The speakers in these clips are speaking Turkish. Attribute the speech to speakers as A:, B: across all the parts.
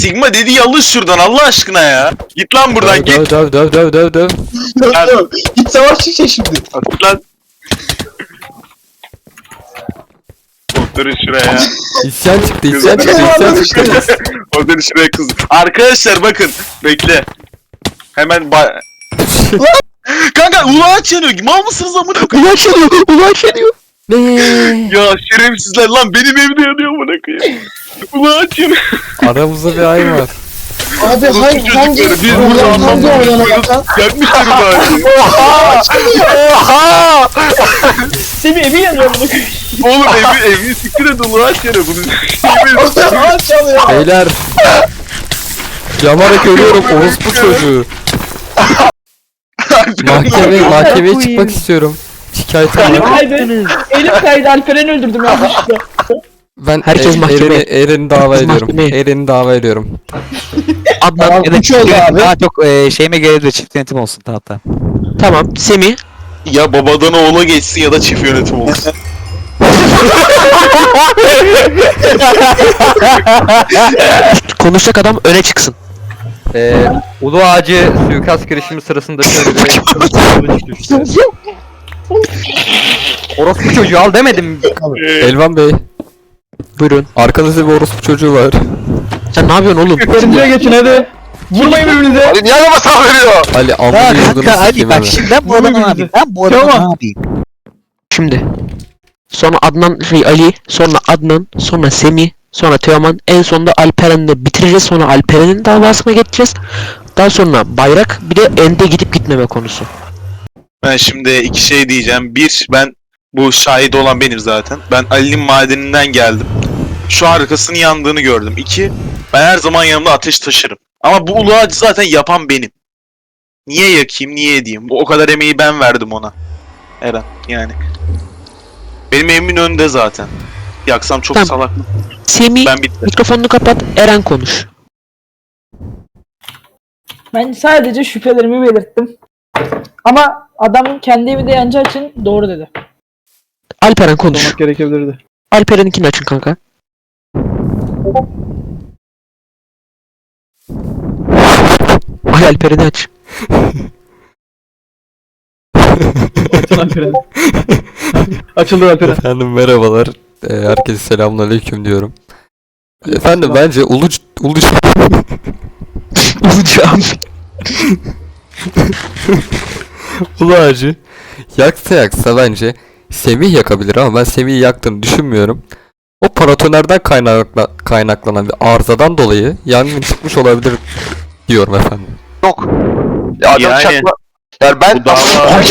A: Sigma dediği alış şuradan Allah aşkına ya. Git lan buradan git.
B: Döv.
C: Git savaş çıkacak şimdi.
A: At lan. Oturun şuraya.
B: İsyan çıktı.
A: Oturun şuraya kız. Arkadaşlar bakın. Bekle. Hemen Kanka ulaç yanıyor. Mal mısınız amına koyayım?
C: Ulaş yanıyor.
B: Ne?
A: Ya şerefsizler lan benim evde yanıyor amına koyayım. Ulaç yanıyor.
B: Aramızda bir ay var.
C: Abi hangi
A: Çocukları biz burada anlamıyoruz. Yakmışlar bari.
C: Oha!
D: Semih evi yanıyor bunu.
A: Oğlum evi siktir et ulaç yanıyor. Bunu
C: Ağaç çalıyor.
B: Beyler. Yanarak ölüyorum orospu çocuğu. Mahkemeye çıkmak istiyorum. Şikayetim
D: Elim
B: var.
D: kaydı. Elim kaydı. Alperen'i öldürdüm yanlışlıkla.
B: Ben
C: Herkes mahkemeye.
B: Eren'i dava
C: Herkes
B: ediyorum.
C: mahkemeye.
B: Eren'i dava ediyorum.
C: Adnan ya da
E: Üç oldu abi.
C: Daha çok
E: Şeyime gelebilir, çift yönetim olsun tahta.
C: tamam. Semih.
A: Ya babadan oğula geçsin ya da çift yönetim olsun.
C: Konuşacak adam öne çıksın.
F: Ulu Ağacı suikast girişimi sırasında şöyle bir kılıç düştü. Orospu çocuğu al demedim.
B: Elvan Bey.
C: Buyurun.
B: Arkanızda bir orospu çocuğu var.
C: Sen ne yapıyorsun oğlum?
D: Önümüze geçin hadi. Vurmayın birbirinize.
A: Ali niye adama sağ veriyor?
B: Ali
E: Ya
B: amına yıldırım
E: kanka hadi
B: sikeyim
E: bak
B: hemen.
E: şimdi ben bu adamı ne yapayım? Ben bu adamı
D: Tamam.
E: ne yapayım?
C: Şimdi. Sonra Adnan Ali, sonra Adnan, sonra Semih, sonra Teoman, en sonunda Alperen'le bitireceğiz. Sonra Alperen'in davasına geçeceğiz. Daha sonra bayrak, bir de ende gidip gitmeme konusu.
A: Ben şimdi iki şey diyeceğim. Bir, ben bu şahit olan benim zaten. Ben Ali'nin madeninden geldim. Şu arkasının yandığını gördüm. İki, ben her zaman yanımda ateş taşırım. Ama bu ulu ağacı zaten yapan benim. Niye yakayım, niye edeyim? O kadar emeği ben verdim ona. Eren, yani. Benim evimin önünde zaten. Yaksam çok
C: Tamam.
A: salak.
C: Semih,
A: Ben bittim.
C: mikrofonunu kapat, Eren konuş.
D: Ben sadece şüphelerimi belirttim. Ama adam kendi evi de yanacağı için doğru dedi.
C: Alperen konuş.
D: Gerekebilirdi.
C: Alperen'inkini açın kanka. Ay Alperen'i aç.
D: Açın Alperen. Açıldı Alperen.
B: Efendim merhabalar. Herkese selamünaleyküm diyorum. Efendim bence
C: Olacağım.
B: Ulu Ağacı yaksa bence Semih yakabilir ama ben Semih'i yaktığını düşünmüyorum. O paratonerden kaynaklanan bir arızadan dolayı yangın çıkmış olabilir diyorum efendim.
G: Yok. Ya adam
A: Yani-
G: çakma. Yani ben
A: Bu dava...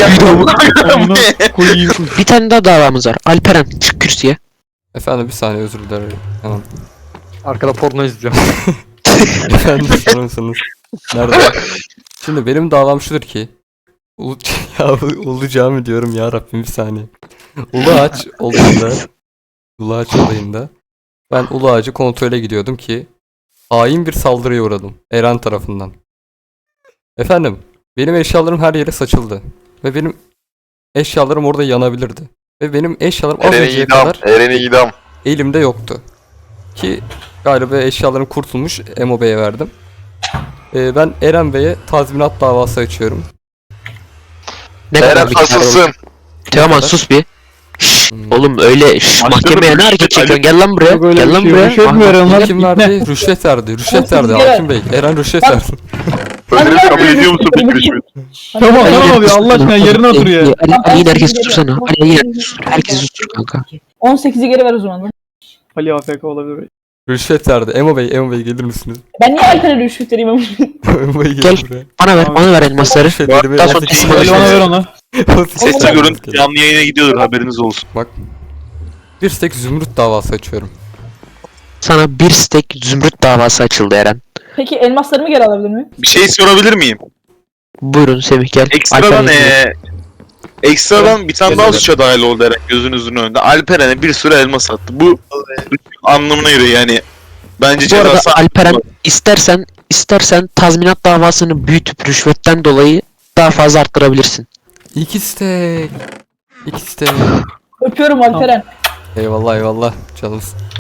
C: Bir tane daha davamız var. Alperen çık kürsüye.
B: Efendim bir saniye özür dilerim. Tamam.
F: Arkada porno izliyorum.
B: Efendim sorun musunuz? Nerede? Şimdi benim davam şudur ki Ulu Cami diyorum ya Rabbim bir saniye. Ulu Ağaç olayında ben Ulu Ağacı kontrole gidiyordum ki hain bir saldırıya uğradım Eren tarafından. Efendim benim eşyalarım her yere saçıldı ve benim eşyalarım orada yanabilirdi. Ve benim eşyalarım az
G: Eren'i
B: önceye
G: idam.
B: kadar
G: Eren'i idam.
B: elimde yoktu. Ki galiba eşyalarım kurtulmuş Emo Bey'e verdim. Ben Eren Bey'e tazminat davası açıyorum.
C: Ne kadar
G: Eren
C: miktar olur?
G: asılsın.
C: Teoman sus bir. Şşş, oğlum öyle mahkemeye ne hareket
A: Ali-
C: çekiyorsun? Gel lan buraya.
D: Yok öyle
C: Gel
D: bir
C: lan
D: şey,
C: buraya.
D: rüşvet mi veriyorsun lan?
B: Kim verdi? Rüşvet verdi. Rüşvet verdi
D: Kere-
B: Hakim Bey. Eren rüşvet verdi.
A: Ödülü kabul ediyor musun peki rüşvet?
D: Tamam abi Allah aşkına yerine otur ya.
C: Ali yine herkes sustursana. Ali yine herkes sustur. Herkes sustur kanka.
D: 18'i geri ver o zaman lan. Ali AFK olabilir.
B: Rüşvet verdi. Emo Bey gelir misiniz?
D: Ben niye Alperen'e rüşvet vereyim ama?
B: Emo Bey
C: Gel.
B: gelir buraya.
C: Bana ver elmasları.
B: Rüşvetlerimi
C: Daha sonra teslim
D: Ali bana ver onu.
A: Sesli görüntü canlı yayına gidiyordur haberiniz olsun.
B: Bir stek zümrüt davası açıyorum.
C: Sana bir stek zümrüt davası açıldı Eren.
D: Peki elmaslarımı geri alabilir miyim?
A: Bir şey sorabilir miyim?
C: Buyurun Semih gel.
A: Ekstradan
C: Alperen'in-
A: ekstradan bir tane daha suça dahil oldu Eren gözünüzün önünde. Alperen'e bir sürü elma sattı. Bu anlamına geliyor yani. Bence
C: Bu arada
A: cezası...
C: Alperen istersen tazminat davasını büyütüp rüşvetten dolayı daha fazla arttırabilirsin.
B: İki stek.
D: Öpüyorum Alperen.
B: Eyvallah canım.